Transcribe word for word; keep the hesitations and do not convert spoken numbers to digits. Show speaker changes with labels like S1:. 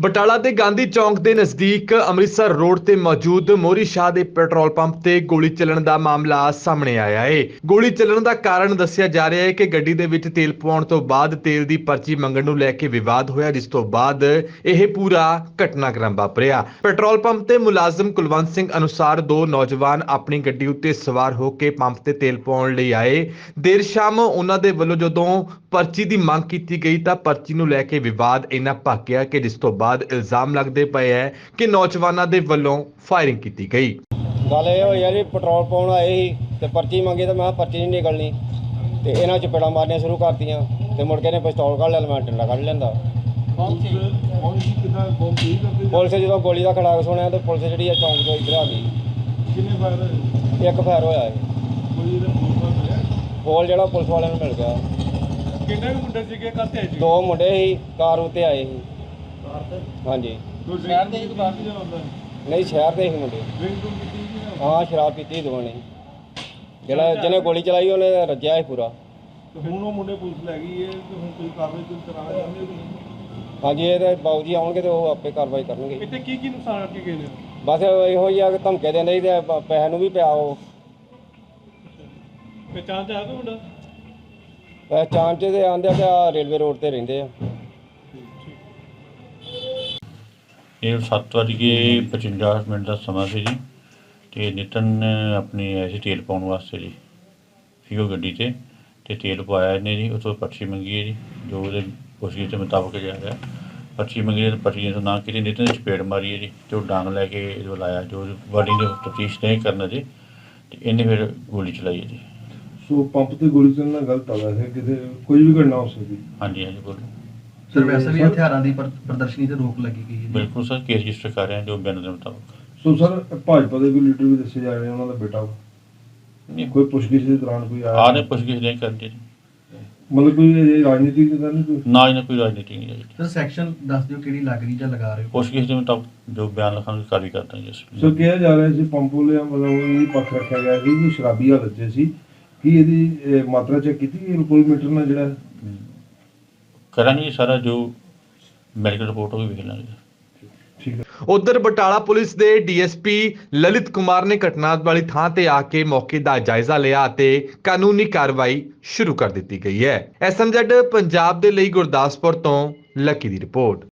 S1: ਬਟਾਲਾ ਦੇ ਗਾਂਧੀ ਚੌਂਕ ਦੇ ਨਜ਼ਦੀਕ ਅੰਮ੍ਰਿਤਸਰ ਰੋਡ ਤੇ ਮੌਜੂਦ ਮੋਰੀ ਸ਼ਾਹ ਦੇ ਪੈਟਰੋਲ ਪੰਪ ਤੇ ਗੋਲੀ ਚੱਲਣ ਦਾ ਮਾਮਲਾ ਸਾਹਮਣੇ ਆਇਆ ਹੈ। ਗੋਲੀ ਚੱਲਣ ਦਾ ਕਾਰਨ ਦੱਸਿਆ ਜਾ ਰਿਹਾ ਹੈ ਕਿ ਗੱਡੀ ਦੇ ਵਿੱਚ ਤੇਲ ਪਵਾਉਣ ਤੋਂ ਬਾਅਦ ਤੇਲ ਦੀ ਪਰਚੀ ਮੰਗਣ ਨੂੰ ਲੈ ਕੇ ਵਿਵਾਦ ਹੋਇਆ, ਜਿਸ ਤੋਂ ਬਾਅਦ ਇਹ ਪੂਰਾ ਘਟਨਾਕ੍ਰਮ ਵਾਪਰਿਆ। ਪੈਟਰੋਲ ਪੰਪ ਤੇ ਮੁਲਾਜ਼ਮ ਕੁਲਵੰਤ ਸਿੰਘ ਅਨੁਸਾਰ ਦੋ ਨੌਜਵਾਨ ਆਪਣੀ ਗੱਡੀ ਉੱਤੇ ਸਵਾਰ ਹੋ ਕੇ ਪੰਪ ਤੇ ਤੇਲ ਪਵਾਉਣ ਲਈ ਆਏ। ਦੇਰ ਸ਼ਾਮ ਉਹਨਾਂ ਦੇ ਵੱਲੋਂ ਜਦੋਂ ਪਰਚੀ ਦੀ ਮੰਗ ਕੀਤੀ ਗਈ ਤਾਂ ਪਰਚੀ ਨੂੰ ਲੈ ਕੇ ਵਿਵਾਦ ਇੰਨਾ ਭਖ ਗਿਆ ਕਿ ਜਿਸ ਤੋਂ ਬਾਅਦ ਇਲਜ਼ਾਮ ਲੱਗਦੇ ਪਏ ਹੈ ਕਿ ਨੌਜਵਾਨਾਂ ਦੇ ਵੱਲੋਂ ਫਾਇਰਿੰਗ ਕੀਤੀ ਗਈ।
S2: ਗੱਲ ਇਹ ਹੋਈ ਯਾਰ ਪੈਟਰੋਲ ਪਾਉਣ ਆਏ ਸੀ ਤੇ ਪਰਚੀ ਮੰਗੀ ਤੇ ਮੈਂ ਕਿਹਾ ਪਰਚੀ ਨਹੀਂ ਨਿਕਲਣੀ ਤੇ ਇਹਨਾਂ ਚਪੇੜਾਂ ਮਾਰਨੀਆਂ ਸ਼ੁਰੂ ਕਰਤੀਆਂ ਤੇ ਮੁੜ ਕੇ ਨੇ ਪਿਸਤੌਲ ਕੱਢ ਲਿਆ, ਮੈਂ ਡੰਡਾ ਕੱਢ ਲੈਂਦਾ। ਪੁਲਿਸ ਜਦੋਂ ਗੋਲੀ ਦਾ ਖੜਾਕ ਸੁਣਿਆ ਤੇ ਪੁਲਿਸ ਜਿਹੜੀ ਆ ਚੌਂਕ ਤੋਂ ਇੱਧਰ ਆ ਗਈ।
S3: ਕਿੰਨੇ ਫਾਇਰ ਹੋਏ?
S2: ਇੱਕ ਫਾਇਰ ਹੋਇਆ ਹੈ।
S3: ਕੋਈ ਇਹਦਾ ਪੁਲਿਸ ਮਿਲਿਆ?
S2: ਕੋਲ ਜਿਹੜਾ ਪੁਲਿਸ ਵਾਲਿਆਂ ਨੂੰ ਮਿਲ ਗਿਆ।
S3: ਕਿੰਨੇ ਕੁ ਮੁੰਡੇ ਸੀਗੇ ਕਾਤੇ ਆਏ ਸੀ?
S2: ਦੋ ਮੁੰਡੇ ਸੀ, ਕਾਰ ਉੱਤੇ ਆਏ ਸੀ।
S3: ਕਾਰ ਤੇ?
S2: ਹਾਂਜੀ।
S3: ਕੋਈ ਸ਼ਹਿਰ ਦੇ ਇੱਕ ਬਾਹਰ ਜਿਹੜਾ ਹੁੰਦਾ?
S2: ਨਹੀਂ, ਸ਼ਹਿਰ ਦੇ ਸੀ ਮੁੰਡੇ।
S3: ਡਰਿੰਕ ਡਰੂੰਕ ਕੀਤੀ ਸੀ ਨਾ?
S2: ਹਾਂ, ਸ਼ਰਾਬ ਪੀਤੀ ਸੀ ਦੋਵਾਂ ਨੇ। ਜਿਹੜਾ ਜਿਹਨੇ ਗੋਲੀ ਚਲਾਈ ਉਹਨੇ ਰੱਜਿਆ ਸੀ ਪੂਰਾ।
S3: ਤੇ ਹੁਣ ਉਹ ਮੁੰਡੇ ਪੁਲਿਸ ਲੈ ਗਈ ਹੈ ਤੇ ਹੁਣ ਕੋਈ ਕਾਰਵਾਈ ਕੋਈ ਕਰਾਉਣਾ ਚਾਹੁੰਦੇ ਹੋ ਕਿ ਨਹੀਂ?
S2: ਹਾਂਜੀ, ਇਹ ਤੇ ਬਾਊ ਜੀ ਆਉਣਗੇ ਤੇ ਉਹ ਆਪੇ ਕਾਰਵਾਈ ਕਰਨਗੇ।
S3: ਇੱਥੇ ਕੀ ਕੀ ਨੁਕਸਾਨ ਕਰਕੇ ਗਏ ਨੇ?
S2: ਬਸ ਇਹੋ ਹੀ ਆ ਕਿ ਧਮਕੇ ਦਿੰਦੇ ਸੀ ਤੇ ਪ- ਪੈਸੇ ਨੂੰ ਵੀ ਪਿਆ ਉਹ।
S3: ਪਹਿਚਾਣ ਚ ਆਇਆ ਕੋਈ ਮੁੰਡਾ?
S2: ਪਹਿਚਾਣ 'ਚ ਤੇ ਆਂਦੇ ਆ ਕਿ ਆਹ ਰੇਲਵੇ ਰੋਡ ਤੇ ਰਹਿੰਦੇ ਆ।
S4: ਇਹ ਸੱਤ ਵੱਜ ਕੇ ਪਚਵੰਜਾ ਮਿੰਟ ਦਾ ਸਮਾਂ ਸੀ ਜੀ ਅਤੇ ਨਿਤਨ ਆਪਣੀ ਆਏ ਸੀ ਤੇਲ ਪਾਉਣ ਵਾਸਤੇ ਜੀ ਫੀਓ ਗੱਡੀ 'ਤੇ ਅਤੇ ਤੇਲ ਪਵਾਇਆ ਇਹਨੇ ਜੀ। ਉਸ ਤੋਂ ਪਰਚੀ ਮੰਗੀ ਹੈ ਜੀ, ਜੋ ਉਹਦੇ ਪੁੱਛਗਿੱਛ ਦੇ ਮੁਤਾਬਕ ਜਾ ਰਿਹਾ। ਪਰਚੀ ਮੰਗੀ ਹੈ, ਪਰਚੀ ਤੋਂ ਨਾ ਕੀਤੀ, ਨਿਤਨ ਨੇ ਚਪੇੜ ਮਾਰੀ ਹੈ ਜੀ ਅਤੇ ਉਹ ਡਾਂਗ ਲੈ ਕੇ ਇਹਦੇ ਵੱਲ ਆਇਆ, ਜੋ ਬਾਡੀ ਦੇ ਤਫਤੀਸ਼ ਨਹੀਂ ਕਰਨਾ ਜੀ ਅਤੇ ਇਹਨੇ ਫਿਰ ਗੋਲੀ ਚਲਾਈ ਹੈ ਜੀ।
S5: ਸੋ ਪੰਪ ਤੇ ਗੋਲੀ ਚੱਲਣਾ ਗਲਤ ਆ, ਵੈਸੇ ਕਿਤੇ ਕੋਈ ਵੀ ਘਟਨਾ ਹੋ ਸਕਦੀ।
S4: ਹਾਂਜੀ ਹਾਂਜੀ ਬੋਲੋ।
S6: ਸਰ ਵੈਸੇ ਵੀ ਹਥਿਆਰਾਂ ਦੀ ਪਰ- ਪ੍ਰਦਰਸ਼ਨੀ ਤੇ ਰੋਕ ਲੱਗੀ ਗਈ ਹੈ ਜੀ।
S4: ਬਿਲਕੁਲ ਸਰ, ਕੇਸ ਰਜਿਸਟਰ ਕਰ ਰਹੇ ਹਾਂ ਜੋ ਬਿਆਨ ਦੇ ਮੁਤਾਬਕ।
S5: ਸੋ ਸਰ ਭਾਜਪਾ ਦੇ ਕੋਈ ਲੀਡਰ ਵੀ ਦੱਸੇ ਜਾ ਰਹੇ ਉਹਨਾਂ ਦਾ ਬੇਟਾ ਵਾ।
S4: ਨਹੀਂ,
S5: ਕੋਈ ਪੁੱਛਗਿੱਛ ਦੇ ਦੌਰਾਨ ਕੋਈ
S4: ਆਹ
S5: ਆਇਆ
S4: ਨੇ ਪੁੱਛਗਿੱਛ ਨਹੀਂ ਕਰਦੀ ਜੀ,
S5: ਮਤਲਬ ਕੋਈ ਇਹ ਰਾਜਨੀਤੀ ਦੀ ਗੱਲ ਨਹੀਂ ਕੋਈ?
S4: ਨਾ ਇਹਨਾਂ ਕੋਈ ਰਾਜਨੀਤੀ ਨਹੀਂ ਹੈ ਜੀ।
S6: ਸਰ ਸੈਕਸ਼ਨ ਦੱਸ ਦਿਓ ਕਿਹੜੀ ਲੱਗ ਰਹੀ ਜਾਂ ਲਗਾ ਰਹੇ ਹੋ?
S4: ਪੁੱਛਗਿੱਛ ਦੇ ਮੁਤਾਬਕ ਜੋ ਬਿਆਨ ਲਿਖਾਂਗੇ ਕਾਰਵਾਈ ਕਰਦਾ ਜੀ ਅਸੀਂ।
S5: ਸੋ ਕਿਹਾ ਜਾ ਰਿਹਾ ਸੀ ਪੰਪ ਵਾਲਿਆਂ ਵੱਲੋਂ ਇਹ ਪੱਖ ਰੱਖਿਆ ਗਿਆ ਸੀ ਕਿ ਸ਼ਰਾਬੀ ਹਾਲਤ 'ਚ ਸੀ। ਕੀ ਇਹਦੀ ਇਹ, ਮਾਤਰਾ ਚੈੱਕ ਕੀਤੀ ਗਈ ਅਲਕੋਹਲ ਮੀਟਰ ਨਾਲ ਜਿਹੜਾ?
S4: ਹਮ, ਕਰਾਂਗੇ ਜੀ ਸਾਰਾ ਜੋ ਮੈਡੀਕਲ ਰਿਪੋਰਟ ਉਹ ਵੀ ਵੇਖ ਲਾਂਗੇ।
S5: ਠੀਕ ਹੈ।
S1: ਉਧਰ ਬਟਾਲਾ ਪੁਲਿਸ ਦੇ ਡੀਐਸਪੀ ਲਲਿਤ ਕੁਮਾਰ ਨੇ ਘਟਨਾ ਵਾਲੀ ਥਾਂ ਤੇ ਆ ਕੇ ਮੌਕੇ ਦਾ ਜਾਇਜ਼ਾ ਲਿਆ ਅਤੇ ਕਾਨੂੰਨੀ ਕਾਰਵਾਈ ਸ਼ੁਰੂ ਕਰ ਦਿੱਤੀ ਗਈ ਹੈ। ਐਸਐਮਜ਼ੈਡ ਪੰਜਾਬ ਦੇ ਲਈ ਗੁਰਦਾਸਪੁਰ ਤੋਂ ਲੱਕੀ ਦੀ ਰਿਪੋਰਟ।